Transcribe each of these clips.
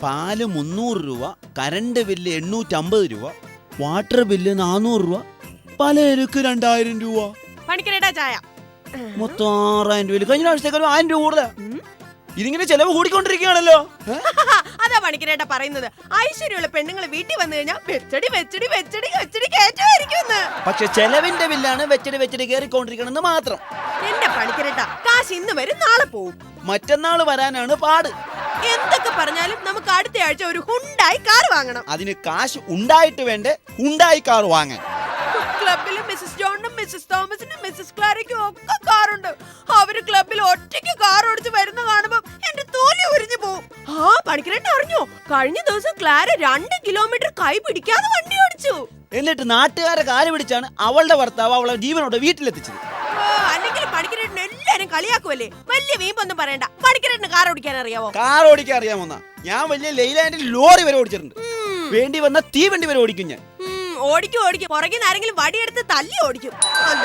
പാല് 300 രൂപ, current bill 850 രൂപ, വാട്ടർ ബില്ല് 400 രൂപ, പലചരക്ക് 2000 രൂപ. പണിക്കരേട്ടാ ചായ. മൊത്തം 6000 രൂപ. കഴിഞ്ഞ ആഴ്ചത്തേക്കാളും 1000 രൂപ കൂടുതലാ. ഇതിങ്ങനെ ചെലവ് കൂടിക്കൊണ്ടിരിക്കുകയാണല്ലോ. അതാ പണിക്കരേട്ടാ പറയുന്നത്, ഐശ്വര്യമുള്ള പെണ്ണുങ്ങൾ വീട്ടിൽ വന്നു കഴിഞ്ഞാൽ വെച്ചടി വെച്ചടി വെച്ചടി വെച്ചടി കയറ്റുമായിരിക്കും. പക്ഷെ ചെലവിന്റെ ബില്ലാണ് വെച്ചടി വെച്ചടി കയറിക്കൊണ്ടിരിക്കണമെന്ന് മാത്രം. എന്റെ പണിക്കരേട്ടാ, കാശ് ഇന്ന് വരും നാളെ പോവും. മറ്റന്നാള് വരാനാണ് പാട്. എന്തൊക്കെ പറഞ്ഞാലും നമുക്ക് അടുത്ത ആഴ്ച ഒരു ഹുണ്ടായി കാർ വാങ്ങണം. അതിന് കാശ് ഉണ്ടായിട്ട് വേണ്ടേ ഹുണ്ടായി കാർ വാങ്ങാൻ. ക്ലബിലും മിസ്സസ് ജോണിനും മിസ്സസ് തോമസിനും മിസ്സസ് ക്ലാരയ്ക്കും ഒക്കെ കാറുണ്ട്. അവര് ക്ലബിൽ ഒറ്റയ്ക്ക് കാർ ഓടിച്ച് വരുന്ന കാണുമ്പോ എന്റെ തോലി ഉരിഞ്ഞു പോവും. ആ പണിക്കരേട്ട അറിഞ്ഞോ, കഴിഞ്ഞ ദിവസം ക്ലാര 2 കിലോമീറ്റർ കൈ പിടിക്കാതെ വണ്ടി ഓടിച്ചു. എന്നിട്ട് നാട്ടുകാരെ കാല് പിടിച്ചാണ് അവളുടെ ഭർത്താവ് അവളെ ജീവനോടെ വീട്ടിലെത്തിച്ചത്. അല്ലെങ്കിൽ പണിക്കരേട്ടന് എല്ലാരും കളിയാക്കുമല്ലേ. വലിയ വീമ്പൊന്നും പറയണ്ട, പണിക്കരേട്ടന് കാർ ഓടിക്കാൻ അറിയാവോ? കാർ ഓടിക്കാൻ അറിയാമോന്നാ? ഞാൻ വലിയ ലൈലാൻഡിൽ ലോറി വരെ ഓടിച്ചിട്ടുണ്ട്. വേണ്ടി വന്ന തീവണ്ടി വരെ ഓടിക്കും ഞാൻ. ഓടിക്കും ഓടിക്കും, പുറകിൽ നിന്ന് ആരെങ്കിലും വടിയെടുത്ത് തല്ലി ഓടിക്കും.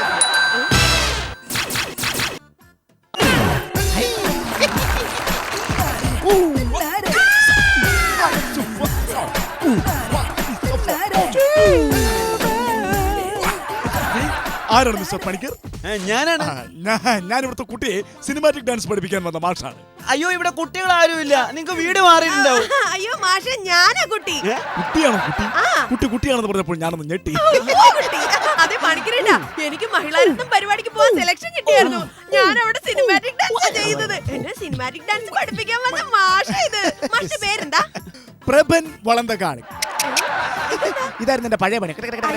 ആരാണ് മിസ്റ്റർ പണിക്കർ? ഞാനാണ്. ഞാൻ ഇവിടുത്തെ കുട്ടിയെ സിനിമാറ്റിക് ഡാൻസ് പഠിപ്പിക്കാൻ വന്ന മാഷാണ്. അയ്യോ, ഇവിടെ കുട്ടികൾ ആരുമില്ല. നിങ്ങൾക്ക് വീട് മാറിയിട്ടുണ്ടാവും. അയ്യോ മാഷെ, ഞാനാ കുട്ടി. കുട്ടിയാണോ? കുട്ടിയാണെന്ന് പറഞ്ഞപ്പോൾ ഞാനൊന്ന് ഞെട്ടി. അതെ പണിക്കരേട്ടാ, എനിക്ക് മഹിളാരത്നം പരിപാടിക്ക് പോവാൻ സെലക്ഷൻ കിട്ടിയായിരുന്നു. ഞാൻ അവിടെ സിനിമാറ്റിക് ഡാൻസ് ചെയ്യുന്നത്. എന്നെ സിനിമാറ്റിക് ഡാൻസ് പഠിപ്പിക്കാൻ വന്ന മാഷ ഇത്. മാഷിന്റെ പേരെന്താ? പ്രഭൻ വളന്തകാട്. ഇതായിരുന്നു എന്റെ പഴയ പണി.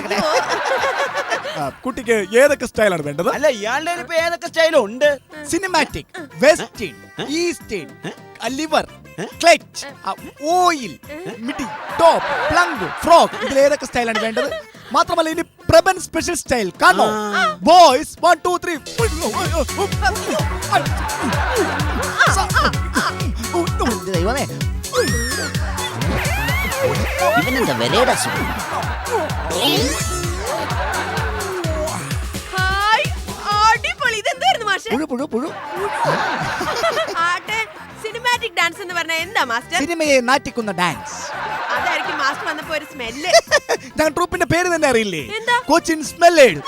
കുട്ടിക്ക് ഏതൊക്കെ സ്റ്റൈലാണ് വേണ്ടത്? അല്ല, ഇയാളുടെ ഇപ്പൊ ഏതൊക്കെ സ്റ്റൈലും ഉണ്ട്. Cinematic, western, eastern, lever, clutch, oil, midi, top, plunk, frock, ഇതിൽ ഏതൊക്കെ സ്റ്റൈലാണ് വേണ്ടത്? മാത്രമല്ല ഇനി പ്രബൻ സ്പെഷ്യൽ സ്റ്റൈൽ കാണോ? ബോയ്സ് 1 2 3. ദൈവമേ, ഇവനെന്താ വരേടാ സുഖം. ഹായ്, അടിപൊളി. ഇതെന്തായിരുന്നു മാഷെ? പുഴു. ആട്ടെ, സിനിമാറ്റിക് ഡാൻസ് എന്ന് പറഞ്ഞാൽ എന്താ മാസ്റ്റർ? സിനിമയെ നാറ്റിക്കുന്ന ഡാൻസ്. അതായിരിക്കും മാസ്റ്റർ വന്നപ്പോ ഒരു സ്മെല്ല്. ഞാൻ ട്രൂപ്പിന്റെ പേര് തന്നെ അറിയില്ലേ? എന്താ? കൊച്ചിൻ സ്മെല്ലേഡ്.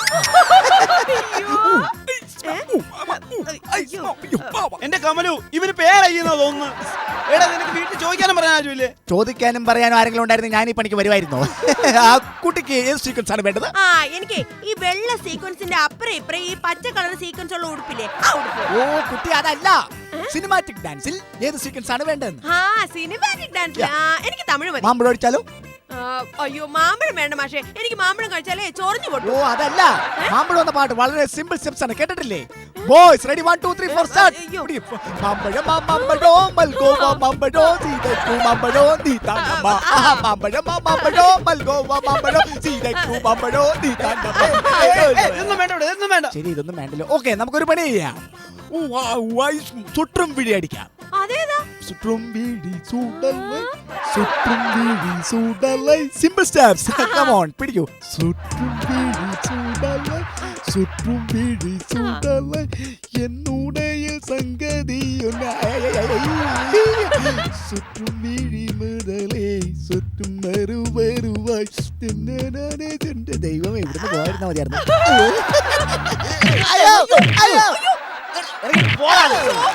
എന്റെ കമലു, ഇവന് പേരയ്യുന്നോ തോന്നുന്നു. എടാ, നിനക്ക് വീട്ടിൽ ചോദിക്കാനും പറയാൻ ആരുമില്ലേ? ചോദിക്കാനും പറയാനും ആരെങ്കിലും ഉണ്ടായിരുന്നു ഞാൻ ഈ പണിക്ക് വരുമായിരുന്നു. ആ കുട്ടിക്ക് ഏത് സീക്വൻസ് ആണ് വേണ്ടത്? എനിക്ക് ഈ വെള്ള സീക്വൻസിന്റെ അപ്പുറം ഇപ്പുറം ഈ പച്ച കളർ സീക്വൻസ് ഉള്ള ഉടുപ്പില്ലേ, ആ ഉടുപ്പ്. ഓ കുട്ടി, അതല്ല. സിനിമാറ്റിക് ഡാൻസിൽ ഏത് സീക്വൻസ് ആണ് വേണ്ടത്? സിനിമാറ്റിക് ഡാൻസ് എനിക്ക് തമിഴ് മതി. മാമ്പഴം ഒഴിച്ചാലോ? അയ്യോ, മാമ്പഴം വേണ്ട മാഷെ. എനിക്ക് മാമ്പഴം കഴിച്ചാലേ ചൊറിഞ്ഞു പൊട്ടും. ഓ അതല്ല, മാമ്പഴം എന്ന പാട്ട് വളരെ സിമ്പിൾ സ്റ്റെപ്സ് ആണ്, കേട്ടിട്ടില്ലേ? Boys ready 1 2 3 4 start. മാമ്പഴം മാമ്പഴോ മൽഗോവ മാമ്പഴോ സീതയ്ക്കു മാമ്പഴോ നീ താണ്ടമ്മ. മാമ്പഴം മാമ്പഴോ മൽഗോവ മാമ്പഴോ സീതയ്ക്കു മാമ്പഴോ നീ താണ്ടമ്മ. ഒന്നും വേണ്ട. ശരി, ഇതൊന്നും വേണ്ടല്ലോ. ഓക്കെ, നമുക്കൊരു പണി ചെയ്യാം. ചുറ്റും വിഴി അടിക്കാം. അതേതാ? ചുറ്റും വിഴി ചൂടല്ലേ, ചുറ്റും വിഴി ചൂടല്ലേ. Simple steps. കം ഓൺ, പിടിക്കൂ. ചുറ്റും വിഴി ചൂടല്ലേ, ചുറ്റും വിഴി ചൂടല്ലേ, എന്നുടയ സംഗതി ചുറ്റും വിഴി മുതലേ ചുറ്റും വരുവായി. ദൈവം എവിടുന്ന് പോയിരുന്ന മതിയായിരുന്നു. പോടാ.